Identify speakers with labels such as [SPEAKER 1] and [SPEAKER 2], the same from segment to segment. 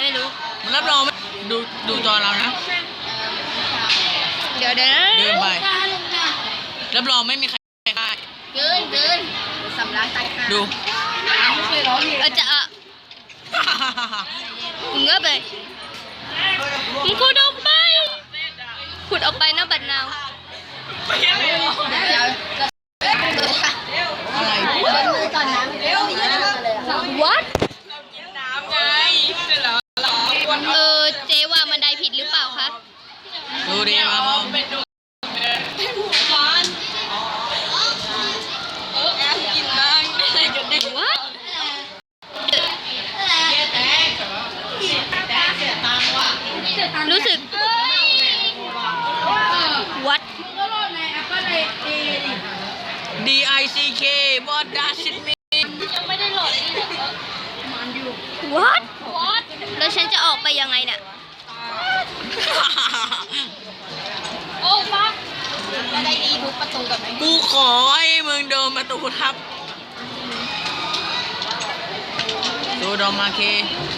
[SPEAKER 1] ไม่รู้
[SPEAKER 2] มันรับรองดูจอเรานะ
[SPEAKER 1] เดี๋ยวเดิ
[SPEAKER 2] นไปรับรองไม่มีใครได้
[SPEAKER 1] เกินสำลักตายค่ะ
[SPEAKER 2] ดู
[SPEAKER 1] จะมึงก็ไปมึงขุดออกไปนะบัดนาว
[SPEAKER 2] อะไร
[SPEAKER 1] ก่อนนะวัดเจ๊ว่ามันได้ผิดหรือเปล่าคะ
[SPEAKER 2] ดูดีมาพอ
[SPEAKER 1] รู้สึกวัด
[SPEAKER 2] DICK what does it mean
[SPEAKER 1] ยังไม่ได้โหลดวัดแล้วฉันจะออกไปยังไงเนี่ยโอ้ฟักจะได้ดีทุกประตูกับไหม
[SPEAKER 2] กูขอให้มึงโดนประตูทับดูดอมาเค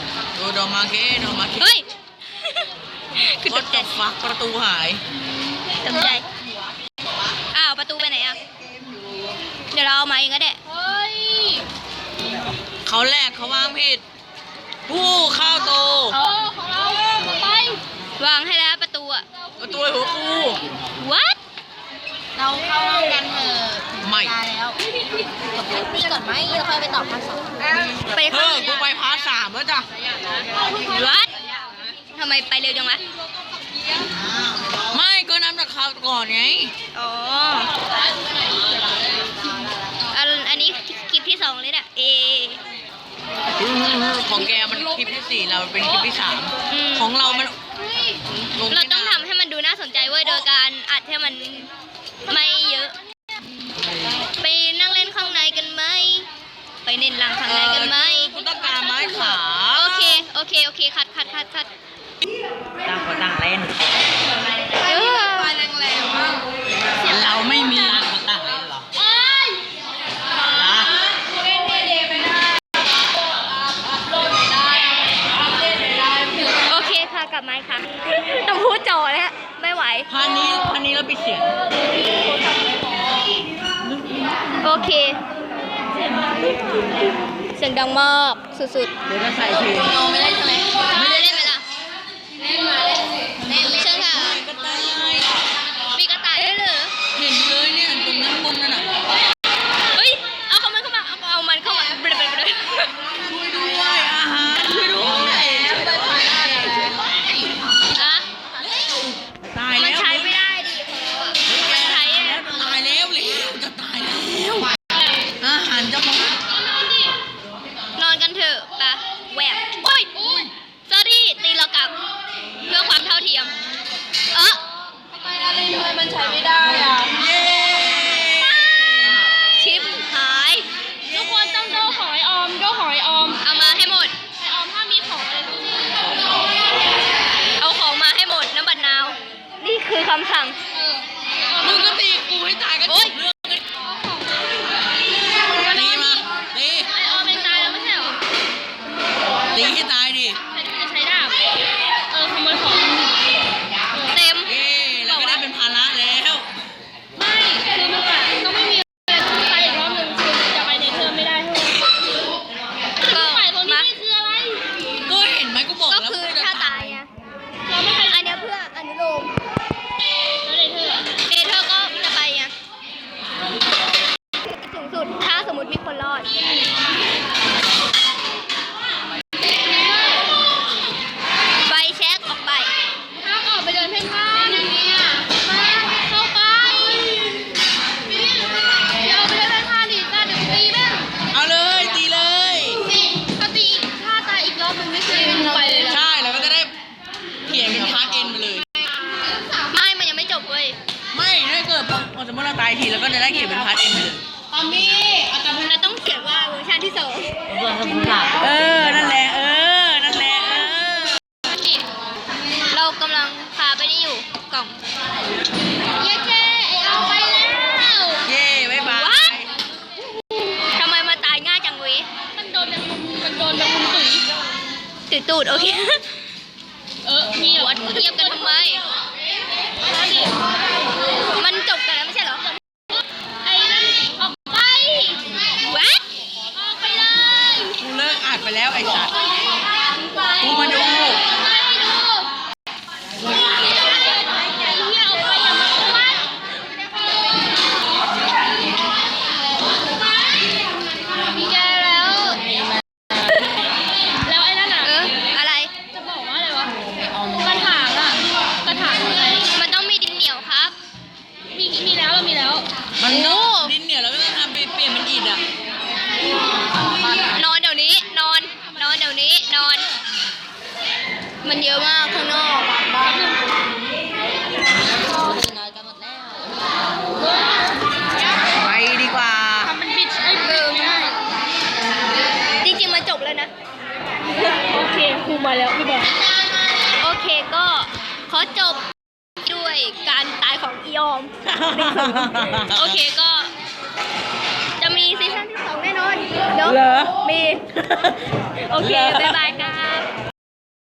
[SPEAKER 1] เฮ้ย
[SPEAKER 2] คือตกใจฟักประตูหาย
[SPEAKER 1] ตกใจอ้าวประตูไปไหนอ่ะเดี๋ยวเราเอามาเองก็ได้เฮ้ย
[SPEAKER 2] เขาแรกเขาวางผิดผู้เข้าโต
[SPEAKER 1] ของเราไปวางให้แล้วประตูอ่ะ
[SPEAKER 2] ประตูหัวกู
[SPEAKER 1] What
[SPEAKER 3] เราเข้ากันเถอะ
[SPEAKER 2] ไม่
[SPEAKER 3] แล้วตีก่อนไหมแล้วค่อยไปตอบภาค 2
[SPEAKER 1] ไป
[SPEAKER 2] ข้างกูไปพาร์ท 3แล้วจ้ะ
[SPEAKER 1] What ทำไมไปเร็วจังวะ
[SPEAKER 2] ไม่ก็น้ำจากข่าวก่อนไง
[SPEAKER 1] อ๋ออันนี้คลิปที่ 2เลยน่ะ
[SPEAKER 2] ของแกมันคลิปที่ 4เราเป็นคลิปที่ 3ของเรามัน
[SPEAKER 1] เราต้องทำให้มันดูน่าสนใจเว้ยโดยการอัดให้มันไม่เยอะไปนั่งเล่นข้างในกันไหมไปเน้นหลังข้างในกันไหม
[SPEAKER 2] กูต้องการไม้ขา
[SPEAKER 1] โอเคคัด
[SPEAKER 2] ต่างคนต่างเล่นเราไม่มีต่างคนต่างเล่นหรอ
[SPEAKER 1] โอเคค่ะกลับมาค่ะต้องพูดจอแล้วไม่ไหว
[SPEAKER 2] พานี้เราปิดเสียง
[SPEAKER 1] โอเคเสียงดังมากสุด
[SPEAKER 2] ๆเดี๋ยวจะใส่เพลง
[SPEAKER 3] ไม่ได้ใช่ไหม
[SPEAKER 1] ไม่ได้เล่นไหมล่ะเล่นเชิญค่ะมีกระต่ายด้วยเหรอ
[SPEAKER 2] เห็นเลยเนี่ยตรงนั้นมุมนั่นน่ะ
[SPEAKER 1] เฮ้ยเอามันเข้ามาเอามันเข้ามาช่วย
[SPEAKER 2] ด้วยอาหารช่วยด้วยตายแล้ว
[SPEAKER 1] มันใช้ไม่ได้ดิมันใช้
[SPEAKER 2] ตายแล้วจะตายแล้วอาหารจะหมด
[SPEAKER 1] นอนกันเถอะปะแหวกโอ้ยสอรี่ตีเรากลับเพื่อความเท่าเทียม
[SPEAKER 3] ทำไมมันใช้ไม่ได้อ่ะ
[SPEAKER 1] ชิปหาย
[SPEAKER 3] ทุกคนต้องโดหอยออม
[SPEAKER 1] เอามาให้หมด
[SPEAKER 3] ไอออมถ้ามีของอะไรทุกอย่าง
[SPEAKER 1] เอาของมาให้หมดน้ำบัดนาวนี่คือคำสั่ง
[SPEAKER 2] มึงก็ตีกูให้ตายกันเรื่องตีมาตี
[SPEAKER 3] ไอออมเป็นตายแล้วไม่ใช่หรอ
[SPEAKER 2] ตีให้ตายดิ
[SPEAKER 3] จะใช้ดาบขโมยของ
[SPEAKER 1] เต็ม
[SPEAKER 2] เราก็ได้เป็นภาระแล้ว
[SPEAKER 3] ไม่คือมันต้องไม่มีไปอีกรอบหนึ่งคือจะไปในเทอมไม่ได้ทุกคนฝ่ายตรงนี้คืออะไร
[SPEAKER 2] ก็เห็นไหมกูบอกแล้ว
[SPEAKER 1] ก็คือถ้าตายอ่ะอันนี้เพื่ออนุโลม
[SPEAKER 3] แล้วในเ
[SPEAKER 1] ธอก็จะไปไงสูงสุดถ้าสมมติมีคนรอดใบเช็คออกไป
[SPEAKER 3] ถ้าออกไปเดินเพ่นพ่านเนี่ยมาเข้าไปเดี๋ยวไปเดินเพ่นพ่านดิจ้าเดี๋ยวตีบ้าง
[SPEAKER 2] เอาเลยตีเลย
[SPEAKER 3] ถ้าตีถ้าตายอีกรอบนึงไม่เคยไปเลย
[SPEAKER 2] ใช่แล้วก็จะได้เขียนเป็นพาร์ทเอ็นไปเลย
[SPEAKER 1] ไม่มันยังไม่จบเว้ย
[SPEAKER 2] ไม่ถ้าเกิดสมมติเราตายทีแล้วก็จะได้เขียนเป็นพาร์ทเอ็นไปเลย
[SPEAKER 3] ปามี่
[SPEAKER 1] เราต้องเขียนว่าเวอร์ชันที่ 2
[SPEAKER 2] นั่นแหละ
[SPEAKER 1] เรากำลังพาไปนี่อยู่กล่อง
[SPEAKER 3] เย้เอาไปแล้ว
[SPEAKER 2] บ๊ายบาย
[SPEAKER 1] ทำไมมาตายง่ายจังเว้ย
[SPEAKER 3] มันโดนแบบมุมตุ๋ย
[SPEAKER 1] ตืดตูดโอเค
[SPEAKER 3] มี
[SPEAKER 1] วัดเทียบกันทำไม มันจบกันแล้วไม่ใช่เหรอ
[SPEAKER 3] ไอ้นั่นออกไป
[SPEAKER 1] วัด
[SPEAKER 3] ออกไปเลย
[SPEAKER 2] กูเลิกอัดไปแล้วไอ้สัตว์กูมาดู
[SPEAKER 3] ไม่ดูอย่าออกไปอย่ามาวัดมีแกแล้วไอ้นั่นอ่ะ
[SPEAKER 1] อะไร
[SPEAKER 3] จะบอกว่าอะไรวะกระถางอ่ะกระถางอะไร
[SPEAKER 1] มันต้องมีดินเหนียวครับ
[SPEAKER 3] มีแล้วเรามีแล้ว
[SPEAKER 2] มันดินเหนียวแล้วก็ต้องทำไปเปลี่ยนเป็นอิฐอ่ะ
[SPEAKER 1] นอนเดี๋ยวนี้ นอนเดี๋ยวนี้ นอน มันเยอะมากข้างนอก
[SPEAKER 2] ไปดีกว่า
[SPEAKER 3] ทำเป็นบิดไอ้เบอร์ไม่ได้
[SPEAKER 1] จริงๆมันจบแล้วนะ
[SPEAKER 3] โอเคครูมาแล้วพี่บอล
[SPEAKER 1] โอเคก็ขอจบด้วยการตายของอีออม โอเคก็ จะมีซีซั่นที่ 2 แน่นอน เดี๋ยว
[SPEAKER 2] เหรอ
[SPEAKER 1] มี โอเค บ๊ายบายครับ